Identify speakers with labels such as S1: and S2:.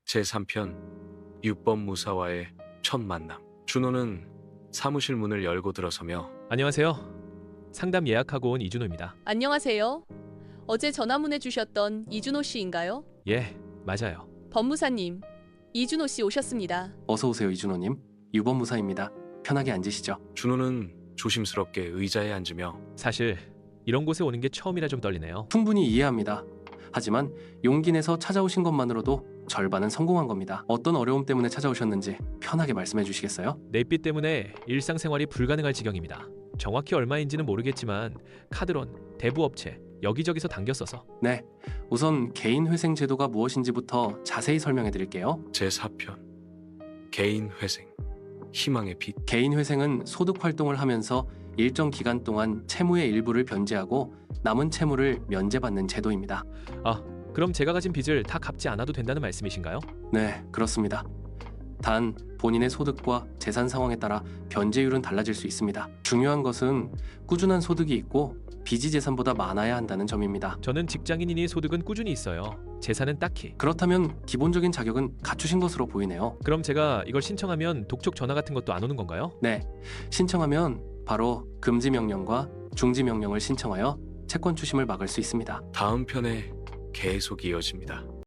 S1: 제3편 유법무사와의 첫 만남. 준호는 사무실 문을 열고 들어서며
S2: 안녕하세요. 상담 예약하고 온 이준호입니다.
S3: 안녕하세요. 어제 전화문해 주셨던 이준호 씨인가요?
S2: 예, 맞아요.
S3: 법무사님, 이준호 씨 오셨습니다.
S4: 어서 오세요, 이준호님. 유법무사입니다. 편하게 앉으시죠.
S1: 준호는 조심스럽게 의자에 앉으며
S2: 사실 이런 곳에 오는 게 처음이라 좀 떨리네요.
S4: 충분히 이해합니다. 하지만 용기 내서 찾아오신 것만으로도 절반은 성공한 겁니다. 어떤 어려움 때문에 찾아오셨는지 편하게 말씀해 주시겠어요?
S2: 내비 때문에 일상생활이 불가능할 지경입니다. 정확히 얼마인지는 모르겠지만 카드론, 대부업체, 여기저기서 당겼어서.
S4: 네, 우선 개인회생 제도가 무엇인지부터 자세히 설명해 드릴게요.
S1: 제4편 개인회생 희망의 빛.
S4: 개인회생은 소득 활동을 하면서 일정 기간 동안 채무의 일부를 변제하고 남은 채무를 면제받는 제도입니다.
S2: 그럼 제가 가진 빚을 다 갚지 않아도 된다는 말씀이신가요?
S4: 네, 그렇습니다. 단 본인의 소득과 재산 상황에 따라 변제율은 달라질 수 있습니다. 중요한 것은 꾸준한 소득이 있고 빚이 재산보다 많아야 한다는 점입니다.
S2: 저는 직장인이니 소득은 꾸준히 있어요. 재산은 딱히.
S4: 그렇다면 기본적인 자격은 갖추신 것으로 보이네요.
S2: 그럼 제가 이걸 신청하면 독촉 전화 같은 것도 안 오는 건가요?
S4: 네, 신청하면 바로 금지 명령과 중지 명령을 신청하여 채권 추심을 막을 수 있습니다.
S1: 다음 편에 계속 이어집니다.